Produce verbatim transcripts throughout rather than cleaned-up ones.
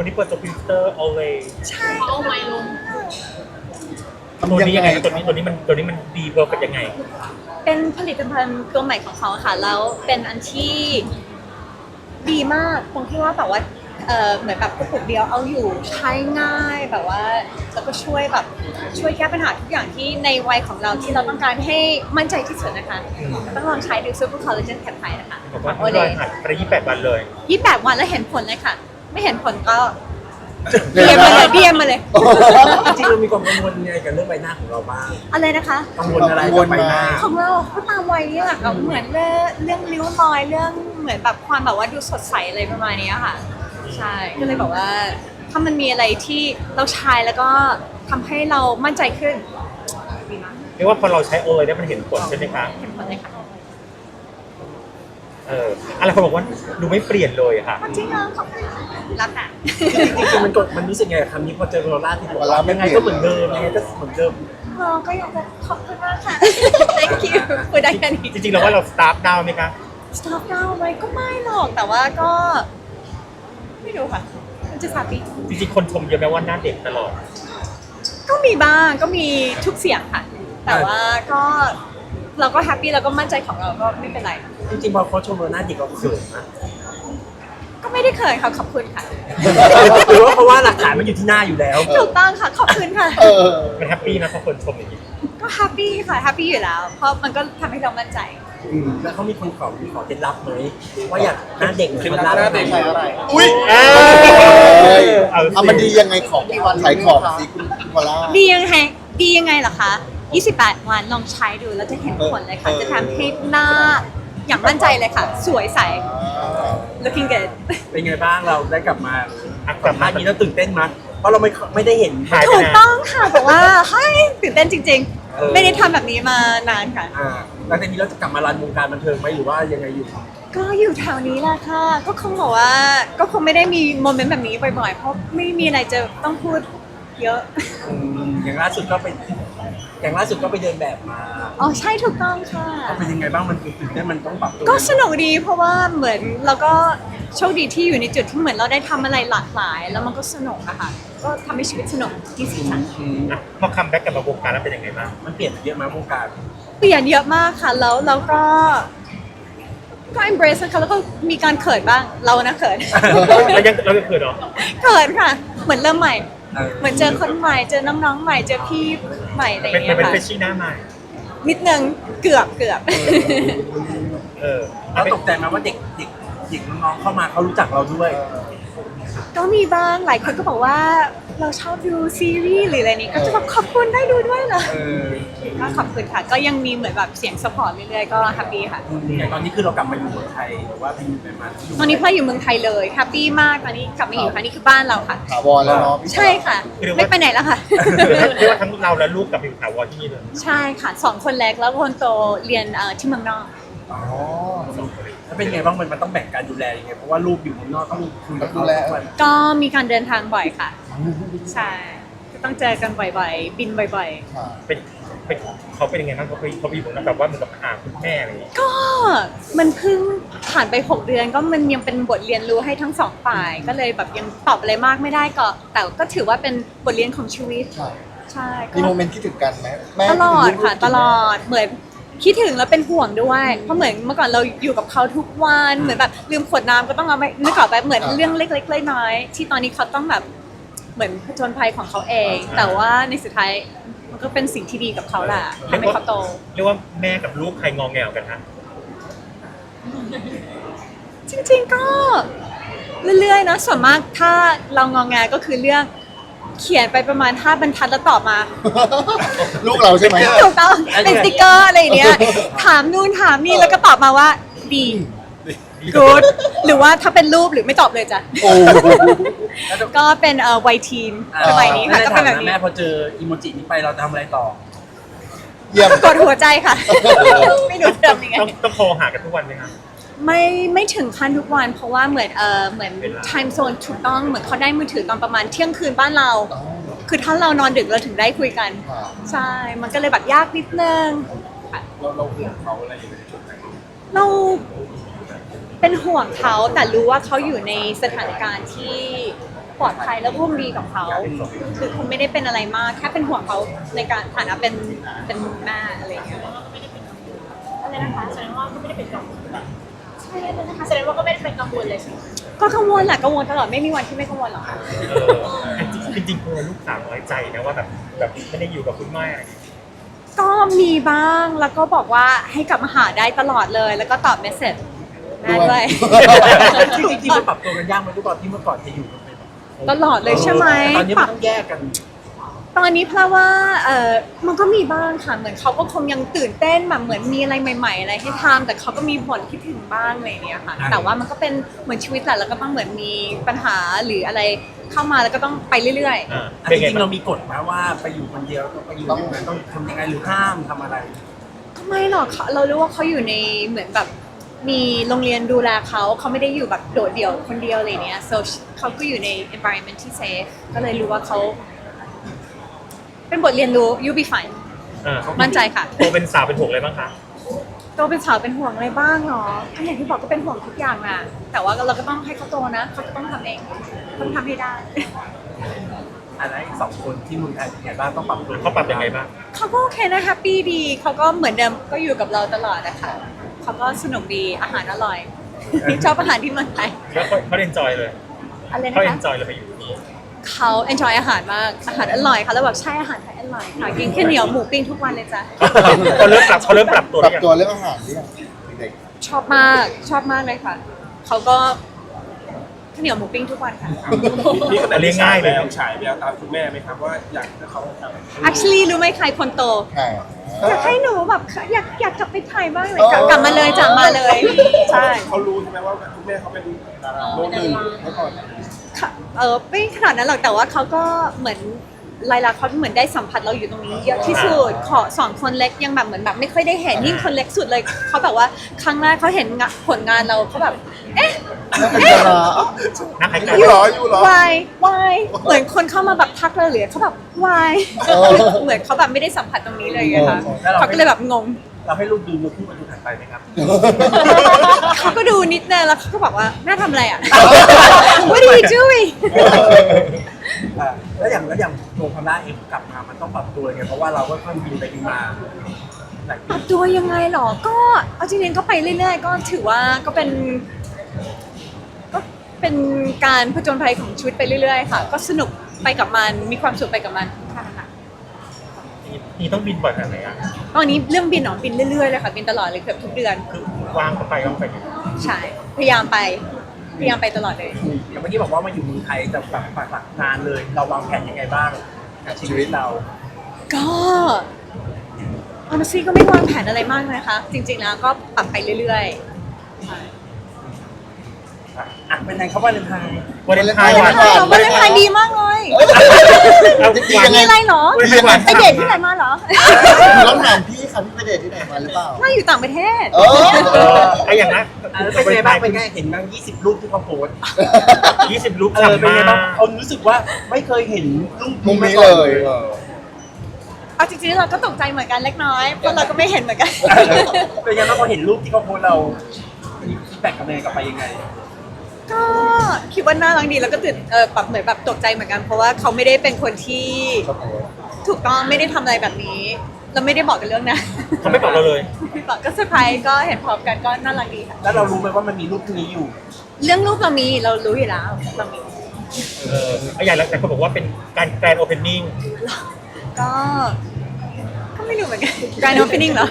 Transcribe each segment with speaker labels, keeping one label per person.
Speaker 1: นี้เปิดตัวพิเตอร์ always
Speaker 2: ใช่เอาไว้ลง
Speaker 1: ตัวนี้ยังไงตัวนี้ตัวนี้มันตัวนี้มันดีเวิร์กกันยังไง
Speaker 2: เป็นผลิตภัณฑ์ตัวใหม่ของเขาค่ะแล้วเป็นอันที่ดีมากตรงที่ว่าแบบว่าเออเหมือนแบบกระปุกเดียวเอาอยู่ใช้ง่ายแบบว่าแล้วก็ช่วยแบบช่วยแก้ปัญหาทุกอย่างที่ในวัยของเราที่เราต้องการให้มั่นใจที่สุดนะคะต้องลองใช้ดูซูเปอร์คอลลาเจนแคปไทนะคะ
Speaker 1: บอกว่าที่รอยหัดไปยี่สิบแปดวันเลย
Speaker 2: ยี่สิบแปดวันแล้วเห็นผลเลยค่ะไม่เห็นผลก็เบียมมาเลยเบียมมาเลย
Speaker 3: จริงๆเรามีความกังวลยังไงกับเรื่องใบหน้าของเราบ้าง
Speaker 2: อะไรนะคะ
Speaker 3: กังวลอะไรกับใบหน้า
Speaker 2: ของเราก็ตามวัยนี่แหละกับเหมือนเรื่องเรื่องริ้วรอยเรื่องเหมือนแบบความแบบว่าดูสดใสอะไรประมาณนี้ค่ะใช่ก็เลยบอกว่าถ้ามันมีอะไรที่เราใช้แล้วก็ทำให้เรามั่นใจขึ้นดีมาก
Speaker 1: เรียกว่าพอเราใช้โอเลยได้มันเห็นผลใช่ไหมคะ
Speaker 2: เห็นผลเลยค่ะ
Speaker 1: เอออะไรเขาบอกว่าดูไม่เปลี่ยนเลยค่ะ
Speaker 2: จริงเหรอขอบคุณรับค่ะ
Speaker 3: จริงๆมันกดมันรู้สึกไงคำนี้พอเจอโรล่าที่บอกว่ายังไงก็เหมือนเดิมยังไงก็เหมือนเดิม
Speaker 2: เราก็อยากจะขอบคุณมากค่ะ thank you คุยได้แค่นี้
Speaker 1: จริงๆเราว่าเราสตาร์ทดาวไหมคะ
Speaker 2: สตาร์ทดาวไหมก็ไม่หรอกแต่ว่าก็ไม่รู้ค่ะมันจะสาปี
Speaker 1: จริงๆคนชมเยอะแม้ว่าหน้าเด็กตลอด
Speaker 2: ก็มีบ้างก็มีทุกเสียงค่ะแต่ว่าก็เราก็แฮปปี้แล้วก็มั่นใจของเราก็ไม่เป็นไร
Speaker 3: จริงๆพอเขาชมเราหน้าเด็กเราเขินนะ
Speaker 2: ก็ไม่ได้เขินค่ะขอบคุณค่ะ
Speaker 3: หรือว่าเพราะว่าหลักฐานมันอยู่ที่หน้าอยู่แล้ว
Speaker 2: ถูกต้องค่ะขอบคุณค่ะ
Speaker 1: มันแฮปปี้นะพอคนชมอย่างนี้
Speaker 2: ก็แฮปปี้ค่ะแฮปปี้อยู่แล้วเพราะมันก็ทำให้เรามั่นใจ
Speaker 3: แล้วเขามีคนขอมีขอเคล็ดลับไหมว่าอยากหน้าเด็กเหมือนหน้าเด็กอะไร
Speaker 4: อุ้ยเอามันดียังไงของขายของสิคุณพอล่า
Speaker 2: ดียังไงดียังไงเหรอคะยี่สิบแปดวันลองใช้ดูแล้วจะเห็นผลเลยค่ะจะทำให้หน้าอย่างมั่นใจเลยค่ะสวยใส looking good
Speaker 3: เป็นไงบ้างเราได้กลับมากลับมานี้แล้วตื่นเต้นมั้ยเพราะเราไม่ไม่ได้เห็น
Speaker 2: ถูกต้องค่ะบอกว่าเฮ้ยตื่นเต้นจริงๆไม่ได้ทำแบบนี้มานานค่ะ
Speaker 3: อ่าแล้วทีนี้เราจะกลับมารันวงการบันเทิงไหมหรือว่ายังไงอยู่
Speaker 2: ก็อยู่แถวนี้แหละค่ะก็คงบอกว่าก็คงไม่ได้มีโมเมนต์แบบนี้บ่อยๆเพราะไม่มีอะไรจะต้องพูดเยอะ
Speaker 3: อย่างล่าสุดก็ไปอย่างล่าสุดก็ไปเดินแบบมา
Speaker 2: อ๋อใช่ถูกต้องค่ะ
Speaker 3: เป็นยังไงบ้างมันตื่นเต้นมันต้องปรับตัว
Speaker 2: ก็สนุกดีเพราะว่าเหมือนเราก็โชคดีที่อยู่ในจุดที่เหมือนเราได้ทำอะไรหลากหลายแล้วมันก็สนุกอะค่ะก็ทำให้ชีวิตสนุกที่สุดค่ะ
Speaker 1: พอคัมแบ็กกลับมาวงการแล้วเป็นยังไงบ้าง
Speaker 3: มันเปลี่ยนเยอะมากวงการ
Speaker 2: เปลี่ยนเยอะมากค่ะแล้วเราก็ก็ embrace ค่ะแล้วก็มีการเขินบ้างเรานะเขิน
Speaker 1: เรายังเรายังเขินเหรอ
Speaker 2: เขินค่ะเหมือนเริ่มใหม่เหมือนเจอคนใหม่เจอน้องๆใหม่เจอพี่ใหม่อะไรอย่างเงี้ยค่ะ
Speaker 1: เป็นเฟรชชี่หน้าใหม่
Speaker 2: นิดนึงเกือบเกือบ
Speaker 3: เออแล้วตกใจไหมว่าเด็กเด็กเด็กน้องๆเข้ามาเขารู้จักเราด้วย
Speaker 2: ก็มีบ้างหลายคนก็บอกว่าเราชอบดูซีรีส์หรืออะไรนี้ก็จะแบบขอบคุณได้ดูด้วยเหรอก็ขอบคุณค่ะก็ยังมีเหมือนแบบเสียงซัพพอร์ตเรื่อยๆก็แฮปปี้ค่ะ
Speaker 3: อย่างตอนนี้คือเรากลับมาอยู่เมืองไทยหรือว่าไปอยู่ไปมา
Speaker 2: ตอนนี้พ่ออยู่เมืองไทยเลยแฮปปี้มากตอนนี้กลับมาอยู่ค่ะนี่คือบ้านเราค่ะ
Speaker 4: ถาวรแล้วเนาะ
Speaker 2: ใช่ค่ะไม่ไปไหนแล้วค่ะ
Speaker 1: เรียกว่าทั้งเราและลูกกลับมาอยู่ถาวรที่นี่เลย
Speaker 2: ใช่ค่ะสองคนเล็กแล้วคนโตเรียนที่เมืองนอก
Speaker 3: อ๋อแล้วเป็นไงบ้างมันมันต้องแบ่งการดูแลยังไงเพราะว่าลูกอยู่เมืองนอกต้องคุยกับเขา
Speaker 2: ก็มีการเดินทางบ่อยค่ะใช่ก็ต้องเจอกันบ่อยๆบินบ่อย
Speaker 1: ๆเป็นเป็นเขาเป็นยังไงบ้างเขาไปเขาไปอยู่นะแบบว่าเหมือนกับหาคุณแม่อะไรอย่างเงี้ย
Speaker 2: ก็มันเพิ่งผ่านไปหกเดือนก็มันยังเป็นบทเรียนรู้ให้ทั้งสองฝ่ายก็เลยแบบยังตอบอะไรมากไม่ได้ก็แต่ก็ถือว่าเป็นบทเรียนของชีวิตใช่
Speaker 4: มีโมเมนต์คิดถึงกันไหม
Speaker 2: ตลอดค่ะตลอดเหมือนคิดถึงแล้วเป็นห่วงด้วยเพราะเหมือนเมื่อก่อนเราอยู่กับเขาทุกวันเหมือนแบบลืมขวดน้ำก็ต้องเอาไปนึกออกไปเหมือนเรื่องเล็กๆน้อยๆที่ตอนนี้เขาต้องแบบเหมือนผจญภัยของเขาเองแต่ว่าในสุดท้ายมันก็เป็นสิ่งที่ดีกับเขาแหละทำให้เขาโต
Speaker 1: เรียกว่าแม่กับลูกใครงอแงกันฮะ
Speaker 2: จริงๆก็เรื่อยๆนะส่วนมากถ้าเรางอแงก็คือเรื่องเขียนไปประมาณห้าบรรทัดแล้วตอบมา
Speaker 4: ลูกเราใช่ไหม
Speaker 2: ถูกต้องเป็นสติ๊กเกอร์อะไรอย่างเงี้ยถามนู่นถามนี่แล้วก็ตอบมาว่าดีกู๊ดหรือว่าถ้าเป็นรูปหรือไม่ตอบเลยจ้ะก็เป็นเอ่อวัยทีนสมัยนี้ค่ะก็เป็นแบบนี้
Speaker 3: แม่พอเจออีโมจินี้ไปเราจะทำอะไรต่อ
Speaker 4: เยี่ยม
Speaker 2: กดหัวใจค่ะไม่รู้จะทำยังไง
Speaker 1: ต้องโทรหากันทุกวันไหมคะ
Speaker 2: ไม่ไม่ถึงขั้นทุกวันเพราะว่าเหมือนเออเหมือน time zone ถูกต้องเหมือนเขาได้มือถือตอนประมาณเที่ยงคืนบ้านเราคือถ้าเรานอนดึกเราถึงได้คุยกันใช่มันก็เลยแบบยากนิดนึง
Speaker 3: เราเราห่วงเขาอะไรอยู่ในจุดไหน
Speaker 2: เราเป็นห่วงเขาแต่รู้ว่าเขาอยู่ในสถานการณ์ที่ปลอดภัยและร่วมดีกับเขาคือคุณไม่ได้เป็นอะไรมากแค่เป็นห่วงเขาในการฐานะเป็นเป็นแม่อะไรอย่างเงี้ยอะไรนะคะ
Speaker 5: แสดงว่าก็ไม่ได้เป็นกังวล
Speaker 2: ใช่เลยนะคะ
Speaker 5: แสดงว่าก็ไม่ได้เป็นกังวลเลยใช่ไหม
Speaker 2: ก็กังวลแหละกังวลตลอดไม่มีวันที่ไม่กังวลหรอกค่ะ
Speaker 1: เออจริงๆกลัวลูกสาวน้อยใจนะว่าแบบแบบไม่ได้อยู่กับคุณแม่อะไรอย่างเงี้ย
Speaker 2: ก็มีบ้างแล้วก็บอกว่าให้กลับมาหาได้ตลอดเลย แล้วก็ตอบเมสเซจแม่ด้วย
Speaker 3: จริงๆมันปรับตัวกันยากไหมทุกตอนที่เมื่อก่อนจะอยู่กันเป็นแบบ
Speaker 2: ตลอดเลยใช่ไหม
Speaker 3: ตอนนี้
Speaker 2: ป
Speaker 3: มั
Speaker 2: รั
Speaker 3: น
Speaker 2: บ
Speaker 3: ต้องแยกกัน
Speaker 2: ตอนนี้เพราะว่าเออมันก็มีบ้างค่ะเหมือนเขาก็คงยังตื่นเต้นแบบเหมือนมีอะไรใหม่ ๆ อะไรให้ทำแต่เขาก็มีบ่นคิดถึงบ้างอะไรอย่างเงี้ยค่ะ
Speaker 3: อ่า
Speaker 2: แต่ว่ามันก็เป็นเหมือนชีวิตแหละแล้วก็ต้องเหมือนมีปัญหาหรืออะไรเข้ามาแล้วก็ต้องไปเรื่อย
Speaker 1: อ่า
Speaker 3: จ
Speaker 1: เป็นไง
Speaker 3: ริงๆ
Speaker 1: บ้า
Speaker 3: เรา
Speaker 1: ง
Speaker 3: มีกฎไหมว่าไปอยู่คนเดียวต้องไปอยู่ยังไงต้องทำยังไงหรือห้ามทำอะไร
Speaker 2: ๆก็ไม่หรอกเขาเรารู้ว่าเขาอยู่ในเหมือนแบบมีโรงเรียนดูแลเขาเขาไม่ได้อยู่แบบโดดเดี่ยวคนเดียวอะไรเนี้ย so เขาก็อยู่ใน environment ที่ safe ก็เลยรู้ว่าเขาเป็นบทเรียนรู้ you be fine
Speaker 1: อ่า
Speaker 2: มั่นใจค่ะ
Speaker 1: โตเป็นสาวเป็นห่วงอะไรบ้างคะ
Speaker 2: โตเป็นสาวเป็นห่วงอะไรบ้างเนาะก็อย่างที่บอกก็เป็นห่วงทุกอย่างนะแต่ว่าเราก็ต้องให้เขาโตนะเขาจะต้องทำเองต้องทำให้ได้
Speaker 3: อันนั้นอีกสองคนที่เมืองไทยเป็นไงบ้างต้องปรับตัว
Speaker 1: เขาปรับยังไงบ้าง
Speaker 2: เขาก็โอเคนะแฮปปี้ดีเขาก็เหมือนเดิมก็อยู่กับเราตลอดนะคะเขาก็สนุกดีอาหารอร่อย ชอบอาหารที่เมืองไทย
Speaker 1: แล้วเขาเขาเอนจอยเลย
Speaker 2: อะไรนะ
Speaker 1: เขาเอ
Speaker 2: คะ
Speaker 1: นจอยเลยไปอยู่ที่นี่
Speaker 2: เขา enjoy อาหารมากอาหารอร่อยค่ะแล้วแบบใช่อาหารไทยอร่อยค่ะกินข้าวเหนียวหมูปิ้งทุกวันเลยจ้ะ
Speaker 1: เขาเริ่มปรับเขาเริ่มปรับตัว
Speaker 4: ปรับ
Speaker 1: หรือยัง
Speaker 4: ตัวเรื่องอาหารหรือยังเด็ก
Speaker 2: ชอบมากชอบมากเลยค่ะเขาก็ข้าวเหนียวหมูปิ้งทุกวันค่ะ
Speaker 6: นี่ก็
Speaker 1: แต่เลี้ยงง่ายเลย
Speaker 6: ฉายแววตามคุณแม่ไหมครับว่าอยากให้เขาทำ
Speaker 2: actually รู้ไหมใครคนโต
Speaker 4: ๆค่ะ
Speaker 2: อยากให้หนูแบบอยากอยากกลับไปถ่ายบ้างเลยกลับกลับมาเลยจากมาเลย ใช่
Speaker 6: เขารู้ใช่ไหมว่าคุณแม่เขาเป็นโรคหนึ่งเมื่อก่อน
Speaker 2: ค่ะเออไม่ขนาดนั้นหรอกแต่ว่าเขาก็เหมือนลายลักษณ์เขาเหมือนได้สัมผัสเราอยู่ตรงนี้เยอะที่สุดขอสองคนเล็กยังแบบเหมือนแบบไม่ค่อยได้เห็นยิ่งคนเล็กสุดเลยเขาแบบว่าครั้งแรกเขาเห็นงะผลงานเราเขาแบบเอ๊ะ
Speaker 4: แล้วเป็นดารา
Speaker 1: นักไอ้
Speaker 4: อ
Speaker 1: กัน
Speaker 4: ยู่เหรออยู่เหรอ
Speaker 2: why why เหมือนคนเข้ามาแบบทักเราหรือเขาแบบ why
Speaker 4: เออ
Speaker 2: เหมือนเขาแบบไม่ได้สัมผัสตรงนี้เลยไงคะ
Speaker 3: แล้วเรา
Speaker 2: เขาก็เลยแบบงง
Speaker 3: เราให้ลูกดูลูกคู่มันดูถัดไปไหมครับ
Speaker 2: เขาก็ดูนิดนึงแล้วเขาก็บอกว่าแม่ทำอะไรอ่ะ What are you doing
Speaker 3: อ่าแล้วอย่างแล้วอย่างตัวพม่าเองกลับมามันต้องปรับตัวไงเพราะว่าเราก็ค่อยบินไปบินมาหลาย
Speaker 2: ป
Speaker 3: ปี
Speaker 2: รับตัวยังไงหรอ ก็เอาจริงๆก็ไปเรื่อยๆ ก็ถือว่าก็เป็น ก็เป็นการผจญภัยของชีวิตไปเรื่อยๆ ค่ะ ก็สนุกไปกับมัน มีความสุขไปกับมันค่ะค่ะ
Speaker 1: นี่ต้องบินบ่อยขนาดไหนอ่ะ
Speaker 2: ตอนนี้เรื่องบินหนอบินเรื่อยๆ เลยค่ะ บินตลอดเลยเกือบทุกเดือน
Speaker 1: คือวางก็ไปก็ไปอยู่
Speaker 2: ใช่ พยายามไป พยายามไปตลอดเลย
Speaker 3: อย่างเมื่อกี้บอกว่ามาอยู่เมืองไทยจะแบบปักหลักงานเลย เราวางแผนยังไงบ้างกับชีวิตเรา
Speaker 2: ก็ honestly ก็ไม่วางแผนอะไรมากนะคะ จริงๆ แล้วก็ปรับไปเรื่อยๆใช่
Speaker 3: อ่ะเป็นไงครับว่าเลนไทน์
Speaker 1: วันเลนไทน์
Speaker 2: วั
Speaker 1: วัน น
Speaker 2: เลนไทน์เหรอวันเลนไทน์ดีมากเลย
Speaker 1: เอา
Speaker 4: จริงๆยังไง
Speaker 2: มีอะไรเหรอ
Speaker 1: วันเลนไทน์วัน
Speaker 2: ไปเดทที่ไหนมาเหรอ
Speaker 4: เราถามพี่ค่ะพี่ไปเดทที่ไหนมาหรือเปล่า
Speaker 2: ไม่อยู่ต่างประเทศ
Speaker 4: เออ
Speaker 1: เออไอ้อย่างนั้น
Speaker 3: อ่ะแล้วเป็นไงบ้างเป็นไงเห็นบ้างยี่สิบรูปที่เขาโพสต์
Speaker 1: ยี่สิบลูก
Speaker 3: เออ
Speaker 1: ทำ
Speaker 3: เป็น
Speaker 1: มา
Speaker 3: ไงบ้างเขารู้สึกว่าไม่เคยเห็นรูป
Speaker 4: มุมนี้
Speaker 3: า
Speaker 4: เล
Speaker 3: ก่อน
Speaker 4: ยเออ
Speaker 2: เอาจริงๆเราก็ตกใจเหมือนกันเล็กน้อย เพราะเราก็ไม่เห็นเหมือนกัน
Speaker 3: เป็นไงบ้างพอเห็นรูปที่เขาโพสต์เรามีฟีดแบ็กกลับมากับไปยังไง
Speaker 2: ก็คิดว่าน่ารักดีแล้วก็ตื่นเออแบบเหมือนแบบตกใจเหมือนกัน เพราะว่าเขาไม่ได้เป็นคนที่ถูกต้องไม่ได้ทำอะไรแบบนี้เราไม่ได้บอกกันเรื่องนะ
Speaker 1: เขาไม่บอกเราเลย
Speaker 2: ไม่บอกก็เซอร์ไพรส์ก็เห็นพร้อมกันก็น่ารักดีค่ะ
Speaker 3: แล้วเรารู้ไหมว่ามันมีรูปนี้อยู่
Speaker 2: เรื่องรูปเรามีเรารู้อยู่แล้วเรามี
Speaker 1: เออไอ้อย่างแล้วแต่เขาบอกว่าเป็นการแกรนด์โอเพนนิ่ง
Speaker 2: ก็ก็ไม่รู้เหมือนกัน Grand Opening เหรอ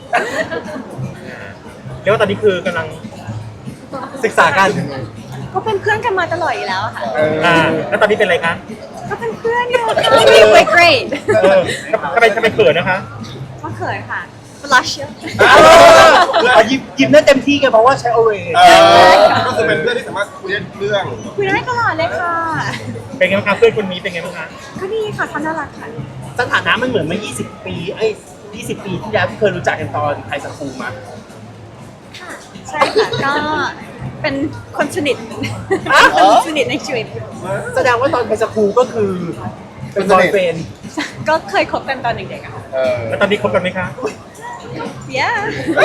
Speaker 1: เรียกว่าตอนนี้คือกำลัง
Speaker 3: ศึกษากัน
Speaker 2: ก็เป็นเพื่อนกันมาตลอดอยู่แล้วค่ะ
Speaker 1: อ่าแล้วตอนนี้เป็นอะไรคะ
Speaker 2: ก็เป็นเพื่อนอยู่ค่ะมีไวเกรด
Speaker 1: เออทำไมทำไมเขินนะคะ
Speaker 2: ก็เขินค่ะ blush เยอะ
Speaker 3: เอายิ้มยิ้มได้เต็มที่กันเพราะว่าใช้โอเว
Speaker 4: เออ
Speaker 6: ก็คือเป็นเพื่อนที่สามารถคุยได้เรื่อง
Speaker 2: คุยได้ตลอดเลยค่ะ
Speaker 1: เป็นไงบ้างคะเพื่อนคนนี้เป็นไงบ้างคะ
Speaker 2: ก็ดีค่ะเขาน่ารักค่ะ
Speaker 3: สถานะมันเหมือนเมื่อยี่สิบปีเอ้ยยี่สิบปีที่แล้วที่เคยรู้จักกันตอนไทยสคูลมา
Speaker 2: ค่ะ ใช่ค่ะ ก็เป็นคนสนิทคนสนิทในชีวิต
Speaker 3: แสดงว่าตอนไทยสคูลก็คือเป็นบอยเฟน
Speaker 2: ก็เคยคบกันตอนเด็กๆอะค่ะ
Speaker 4: เออ
Speaker 1: แล้วตอนนี้คบกันไหมคะ
Speaker 2: yeah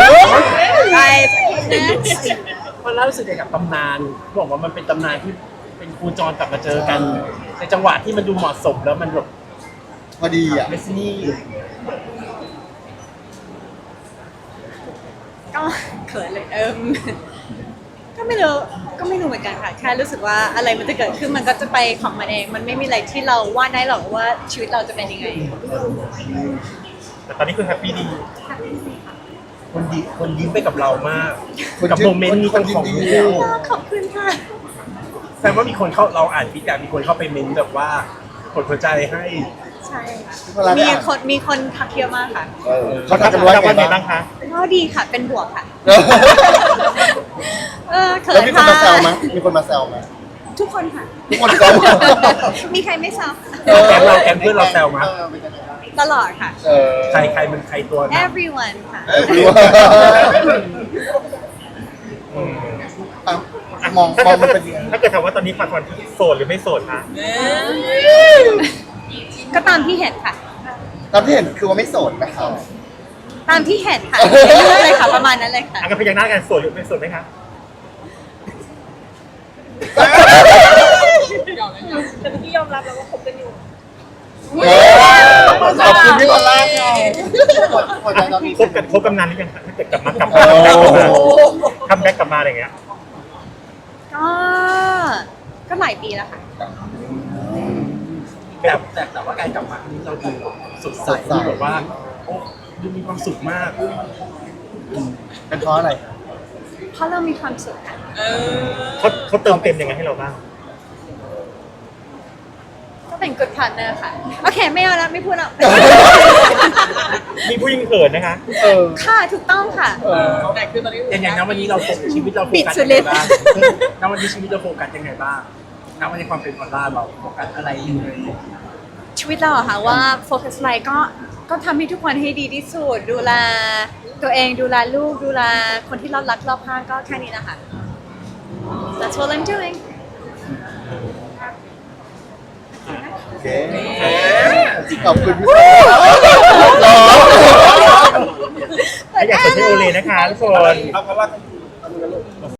Speaker 2: ไป next
Speaker 3: มันรู้สึกยังไงกับตำนานบอกว่ามันเป็นตำนานที่เป็นครูจรกลับมาเจอกัน ในจังหวะที่มันดูเหมาะสมแล้วมันแบบ
Speaker 4: พอดีอ่ะ
Speaker 3: เมสซี่
Speaker 2: ก็เขินเลยเอิมก็ไม่รู้ก็ไม่รู้เหมือนกันค่ะแค่รู้สึกว่าอะไรมันจะเกิดขึ้นมันก็จะไปของมันเอง มันไม่มีอะไรที่เราวาดได้หรอกว่าชีวิตเราจะเป็นยังไง
Speaker 1: แต่ตอนนี้คือแฮปปี้ดี
Speaker 3: คนดีคนยิ้มไปกับเรามาก
Speaker 4: คน
Speaker 3: กับ
Speaker 4: ยิ้ม
Speaker 3: โมเมนต์นี้
Speaker 4: คน
Speaker 3: ของ
Speaker 4: ยิ้ม
Speaker 3: คู่
Speaker 4: ดี
Speaker 2: ขอบคุณค่ะ
Speaker 3: แสดงว่ามีคนเข้าเราอ่านฟีดแบ็กมีคนเข้าไปเมนต์แบบว่ากดหัวใจให้
Speaker 2: ใช่
Speaker 4: พี่พลา
Speaker 2: มี
Speaker 4: ได้อ่าน
Speaker 2: คนมีคนทักเยอะมากค่ะ
Speaker 4: เออเขาทักกันว่า
Speaker 1: แล้ว
Speaker 4: ไง
Speaker 1: ว่าไง
Speaker 4: บ้า
Speaker 1: บ้าง งคะ
Speaker 2: ก็ดีค่ะเป็นบวกค่ะ เออเขิ
Speaker 4: แล้ว
Speaker 2: น
Speaker 4: มีคน
Speaker 2: ค่ะ
Speaker 4: มาแซวไหมมีคนมาแซวไหม
Speaker 2: ทุกคนค่ะ
Speaker 4: ทุกคนแซว
Speaker 2: มีใครไม่แซว
Speaker 3: แกงเราแกงเพื่อนเราแซวมั้ย
Speaker 4: เออเป็นยังไงบ้าง
Speaker 2: ตลอดค่ะ
Speaker 4: เออ
Speaker 3: ใครใครมันใครตัวนะ
Speaker 2: everyone ค่ะ
Speaker 4: เออรู้ว่าอ่ะมอง
Speaker 1: ถ้าม
Speaker 4: อง
Speaker 1: เกิ
Speaker 4: มัน
Speaker 1: ด
Speaker 4: เป็นยังไง
Speaker 1: ถ้าเกิดถามว่าตอนนี้ปันวันโสดหรือไม่โสดคะ
Speaker 2: ก็ตามที่เห็นค่ะ
Speaker 4: ตามที่เห็นคือว่าไม่โสดนะครับ
Speaker 2: ตามที่เห็นค่ะเรื่อยๆเลยค่ะประมาณนั้นเลยค่ะ
Speaker 1: อ่ะกันพยักหน้ากันโสดหรือไม่โสดไหมคะ
Speaker 5: แต่เมื่อกี้ยอมรับแล้วว่าคบกันอยู่
Speaker 4: เออขอบคุณพี่พอลล่าค่ะพอใจตอนนี้
Speaker 1: คบกันคบกันนานหรือยังคะถ้าเกิดกลับมากลับ
Speaker 4: โอ้
Speaker 1: มาคัมแบ็กกลับมาอะไรอย่างเงี้ย
Speaker 2: ก็ก็หลายปีแล้วค่ะ
Speaker 3: แต่แต่แต่ว่าการกลับมาครั้งนี้เราดูสดใสดูแบบว่าโอ้ดูมีความสุขมาก
Speaker 4: เป็นเพราะอะไร
Speaker 2: เพราะเรามีความสุขค่ะ
Speaker 1: เขาเขาเติมเต็มยังไงให้เราบ้าง
Speaker 2: ก็เป็น good partner ค่ะ โอเค ไม่เอาละไม่พูดแล้ว
Speaker 1: มีผู้หญิงเขินนะคะ
Speaker 4: เออ
Speaker 2: ค่ะถูกต้องค่ะ
Speaker 4: เออ
Speaker 5: แต่คือตอนนี้
Speaker 3: อย่างอย่างนั้นวันนี้เราโฟกัสชีวิตเราโฟ
Speaker 2: ปิด
Speaker 3: กัส
Speaker 2: สุด
Speaker 3: ยัง
Speaker 2: ฤ
Speaker 3: ไง
Speaker 2: ทธิ์
Speaker 3: บ้างณวันนี้ชีวิตเราโฟกัสยังไงบ้างณวันนี้ความเป็นพอลล่าเราโฟกัสอะไรอยู่เลย
Speaker 2: ชีวิตเราอะค่ะว่าโฟกัสอะไรก็ก็ทำให้ทุกคนให้ดีที่สุด ดูแลตัวเองดูแลลูกดูแลคนที่เรารักรอบข้างก็แค่นี้นะคะ That's what I'm doing
Speaker 4: โอเคขอบคุณพี่พอลล่า
Speaker 1: อยากจะพี่โอเลนะคะทุกคน
Speaker 6: เอาเพราะว่า